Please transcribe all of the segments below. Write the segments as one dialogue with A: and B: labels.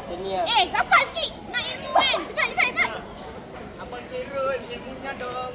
A: Macam ni lah.
B: Rapat sikit. Nak ilmu kan. Cepat.
C: Abang kira ilmunya dong.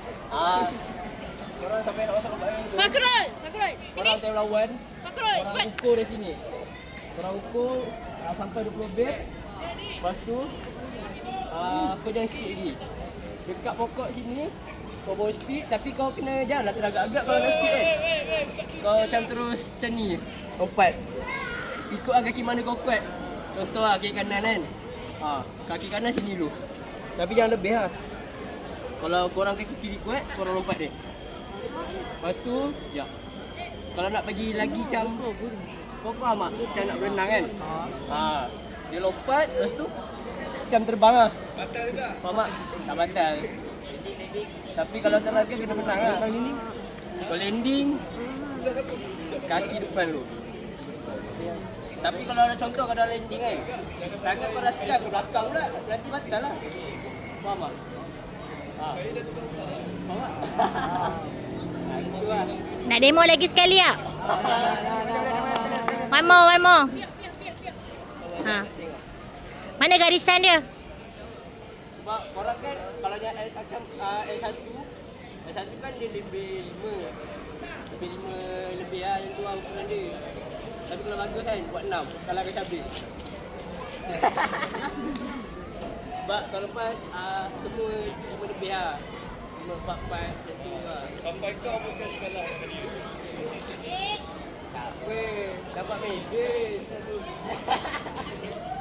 A: Korang sampai nak masuk tempat ni tu.
B: Fakrul. Sini.
A: Korang time lawan.
B: Fakrul,
A: Korang
B: cepat.
A: ukur dari sini. Korang ukur sampai 20 bet. Lepas tu kau jangan speed lagi. Dekat pokok sini kau bawa speed tapi kau kena janganlah teragak-agak kalau nak speed kan. Kau macam terus macam ni. Lompat. Ikut kaki mana kau kuat. Contoh kaki kanan kan. Kaki kanan sini dulu. Tapi jangan lebih lah. Kalau korang kaki kiri kuat, korang lompat dia. Lepas tu, kalau nak bagi lagi macam kau faham tak? Macam nak berenang kan? Dia lompat, lepas tu macam terbang lah.
C: Batal juga.
A: Faham tak? Tak batal. Tapi kalau terlaga kena menang lah. Kalau landing, kaki depan dulu. Tapi kalau ada contoh kau dah landing kan, tangan kau dah sekat ke belakang pula, berarti batal lah. Faham tak? Faham tak? Itu lah.
B: Nak demo lagi sekali tak? One more. Mana garisan dia?
A: Sebab korang kan kalau macam S1 kan dia lebih 5 lebih lah yang tu lah ukuran dia. Tapi kalau bagus kan buat 6 kalau akan Syabir. Sebab tahun lepas semua 5 lebih lah 5, 4, 4 macam tu lah.
C: Sampai kau pun sekali kalah dengan dia.
A: Tak apa, dapat medal.